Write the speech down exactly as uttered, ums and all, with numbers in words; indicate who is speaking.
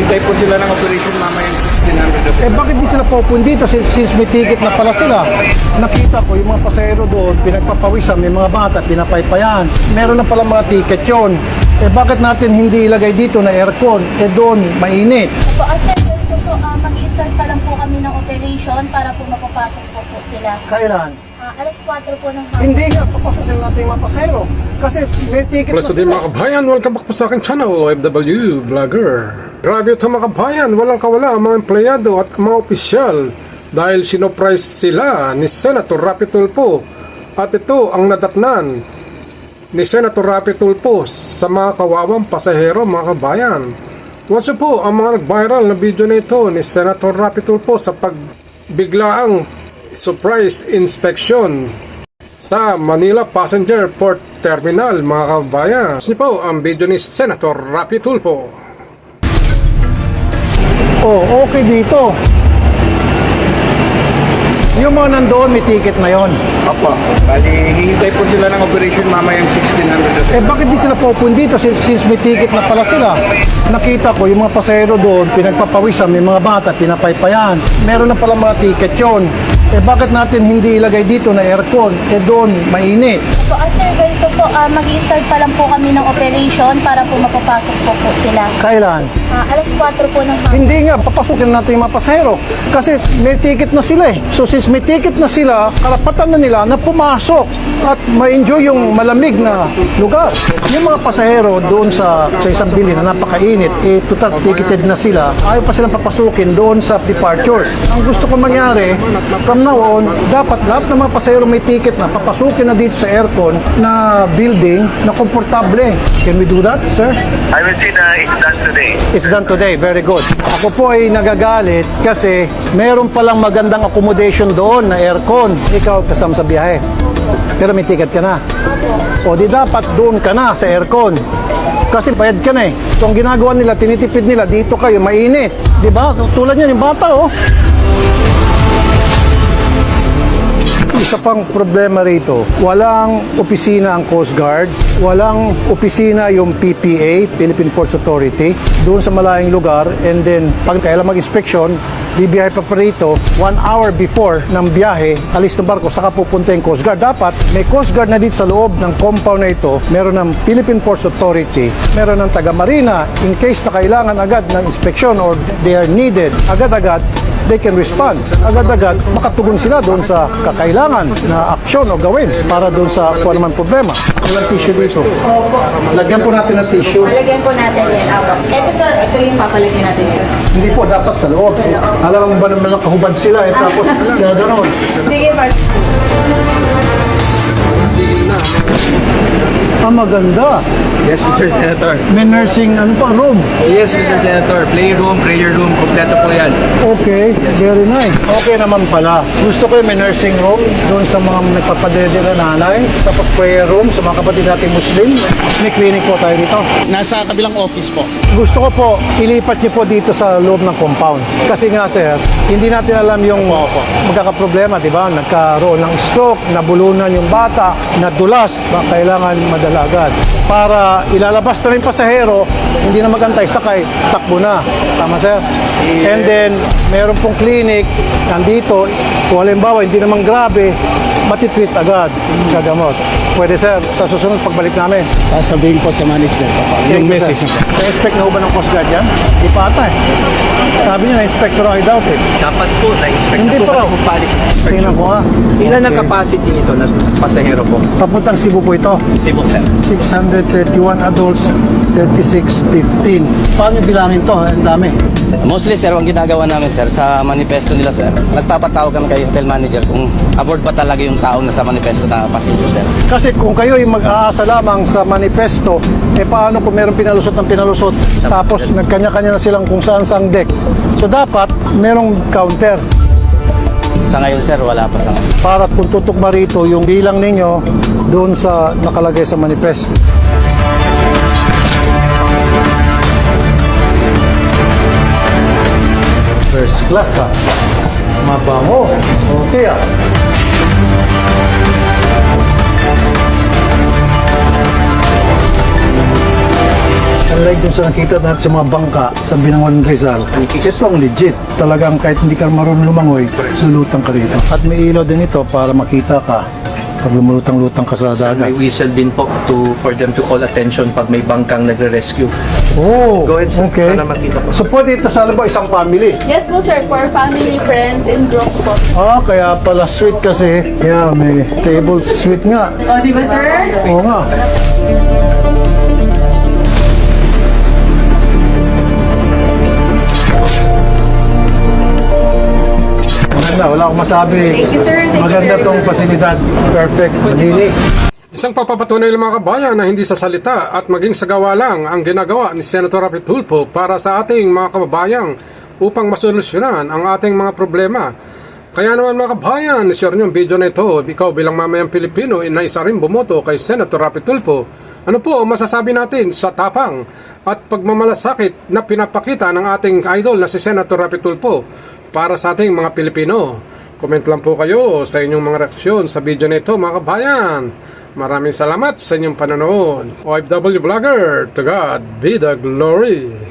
Speaker 1: Naghihintay po sila ng operation mamaya yung sixteen hundred.
Speaker 2: Eh bakit di sila pupunta dito since, since may ticket na pala sila? Nakita ko yung mga pasahero doon, pinagpapawisan, may mga bata, pinapaypayan. Meron na pala mga ticket yon. Eh bakit natin hindi ilagay dito na aircon? Eh doon, mainit.
Speaker 3: Po, uh, sir, ganito po, uh, mag-i-start pa lang po kami ng operation para po mapapasok po po sila.
Speaker 2: Kailan?
Speaker 3: Uh, alas kwatro po ng hapon.
Speaker 2: Hindi nga, papasokin natin yung mga pasahero. Kasi may ticket
Speaker 4: Plus
Speaker 2: na
Speaker 4: din
Speaker 2: sila.
Speaker 4: mga kabayan, welcome back po sa aking channel, O F W Vlogger. Grabe ito mga kabayan, walang kawala ang mga empleyado at mga opisyal dahil sinoprise sila ni Senator Rapi Tulfo. At ito ang nadatnan ni Senator Rapi Tulfo sa mga kawawang pasahero mga kabayan. Watch po ang mga nag-viral na video na ito ni Senator Rapi Tulfo sa pagbiglaang surprise inspection sa Manila Passenger Port Terminal mga kabayan. Ito po ang video ni Senator Rapi Tulfo.
Speaker 2: Oh, okay dito. Yung mga nandoon, may ticket na yon.
Speaker 1: Opo. Bali, hihintay po sila ng operation mamaya yung sixteen hundred.
Speaker 2: Eh bakit di sila pupunta dito since, since may ticket na pala sila? Nakita ko yung mga pasahero doon, pinagpapawisan, may mga bata, pinapaypayan. Meron na pala mga ticket yon. Eh bakit natin hindi ilagay dito na aircon? Eh doon, mainit.
Speaker 3: Po, uh, sir, ganito po, uh, mag-i-start pa lang po kami ng operation para po mapapasok po po sila.
Speaker 2: Kailan?
Speaker 3: Uh, alas kwatro po ng hapon.
Speaker 2: Hindi nga, papasukin natin yung mga pasahero. Kasi may ticket na sila eh. So since may ticket na sila, karapatan na nila na pumasok at ma-enjoy yung malamig na lugar. Yung mga pasahero doon sa, sa isang bili na napakainit, eh total ticketed na sila, ayaw pa silang papasukin doon sa departures. Ang gusto ko mangyari, from now on, dapat lahat ng mga pasahero may ticket na papasukin na dito sa aircon na building na komportable. Can we do that, sir?
Speaker 5: I will say na it's done today.
Speaker 2: It's done today. Very good. Ako po ay nagagalit kasi meron palang magandang accommodation doon na aircon. Ikaw kasama sa biyahe. Pero may ticket ka na. O di dapat doon ka na sa aircon. Kasi bayad ka na eh. So ang ginagawa nila, tinitipid nila, dito kayo, mainit. Di ba? Tulad yan, yung bata oh. Isa pang problema rito, walang opisina ang Coast Guard, walang opisina yung P P A, Philippine Ports Authority, doon sa malayong lugar, and then pag kailan mag-inspeksyon, bibiyahe pa pa rito, one hour before ng biyahe, alis ng barko, saka pupunta yung Coast Guard. Dapat may Coast Guard na dito sa loob ng compound na ito, meron ng Philippine Ports Authority, meron ng taga-marina, in case na kailangan agad ng inspeksyon or they are needed, agad-agad, they can respond. Agad-agad, makatugon sila doon sa kakailangan na aksyon o gawin para doon sa kung naman problema. Walang tissue dito. Lagyan po natin ng tissue.
Speaker 6: Lagyan po natin yan. Apo. Ito sir, ito yung papalagyan natin sir.
Speaker 2: Hindi po, dapat sa loob. Alam mo ba naman lang kahubad sila eh, tapos gano'n.
Speaker 6: Sige, Mark.
Speaker 2: Ah, maganda.
Speaker 1: Yes, Mister Senator.
Speaker 2: May nursing, ano pa, room.
Speaker 1: Yes, Mister Senator. Playroom, prayer room, kompleto po yan.
Speaker 2: Okay, very nice. Okay naman pala. Gusto ko yung may nursing room doon sa mga nagpapadede na nanay. Tapos prayer room sa mga kapatid nating Muslim. May clinic po tayo dito.
Speaker 7: Nasa kabilang office po.
Speaker 2: Gusto ko po, ilipat niyo po dito sa loob ng compound. Kasi nga sir, hindi natin alam yung magkakaproblema, di ba? Nagkaroon ng stroke, nabulunan yung bata, nadulas, baka kailangan madala agad. Para ilalabas na rin pasahero, hindi na magantay, sakay, takbo na. Tama sir? And then, meron pong clinic, nandito, kung halimbawa, hindi naman grabe, matitreat agad, gagamot. Pwede sir, sa susunod pagbalik namin.
Speaker 7: Sasabihin ko sa management. Yung message niyo po.
Speaker 2: Na-inspect na ho ba ng Coast Guard yan? Di pa ata eh. Sabi niya, na-inspect pero I doubt it.
Speaker 1: Dapat po, na-inspect
Speaker 2: Hindi
Speaker 1: na po
Speaker 2: pa
Speaker 1: kasi
Speaker 2: raw.
Speaker 1: po policy.
Speaker 2: Tingnan ko nga.
Speaker 1: Ilan ang capacity nito na pasahero po?
Speaker 2: Papuntang Cebu po ito.
Speaker 1: Cebu, sir.
Speaker 2: six hundred thirty-one adults, thirty-six fifteen. Paano bilangin to? Ang dami.
Speaker 8: Mostly sir, ang ginagawa namin sir, sa manifesto nila sir, nagpapatawag kami kay hotel manager kung aboard ba talaga yung tao na sa manifesto na passenger sir.
Speaker 2: Kasi kung kayo ay mag-aasa lamang sa manifesto, eh paano kung meron pinalusot ng pinalusot, tapos nagkanya-kanya na silang kung saan saang deck. So dapat merong counter
Speaker 8: Sa ngayon sir, wala pa sa ngayon.
Speaker 2: para kung tutugma rito yung bilang ninyo doon sa nakalagay sa manifesto. First class ha. Mabango. Okay ah. Unlike dun sa nakita natin sa mga bangka sa Binangon Rizal, ito ang legit. Talagang kahit hindi ka marunong lumangoy, sulutang ka rito. At may ilaw din ito para makita ka pag lumulutang-lutang ka sa dagat.
Speaker 9: May whistle din po to, for them to call attention pag may bangkang nagre-rescue.
Speaker 2: Oh,
Speaker 9: Go ahead, sir,
Speaker 2: okay.
Speaker 9: para makita po.
Speaker 2: So pwede ito sa ba isang family?
Speaker 6: Yes po sir, for family, friends, and groups po.
Speaker 2: Ah, kaya pala sweet kasi. Kaya may table sweet nga.
Speaker 6: O, di ba sir?
Speaker 2: Oo nga. Maganda, wala akong masabi.
Speaker 6: Thank you, sir. Thank you
Speaker 2: Maganda
Speaker 6: very
Speaker 2: tong
Speaker 6: much.
Speaker 2: pasilidad. Perfect. Malinis.
Speaker 4: Isang papapatunay ng mga kabayan na hindi sa salita at maging sa gawa lang ang ginagawa ni Senator Rapi Tulfo para sa ating mga kababayang upang masolusyonan ang ating mga problema. Kaya naman mga kabayan, share nyo ang video na ito. Ikaw bilang mamayang Pilipino na isa rin bumoto kay Senator Rapi Tulfo. Ano po ang masasabi natin sa tapang at pagmamalasakit na pinapakita ng ating idol na si Senator Rapi Tulfo para sa ating mga Pilipino? Comment lang po kayo sa inyong mga reaksyon sa video na ito mga kabayan. Maraming salamat sa inyong panonood. O F W Vlogger, to God be the glory.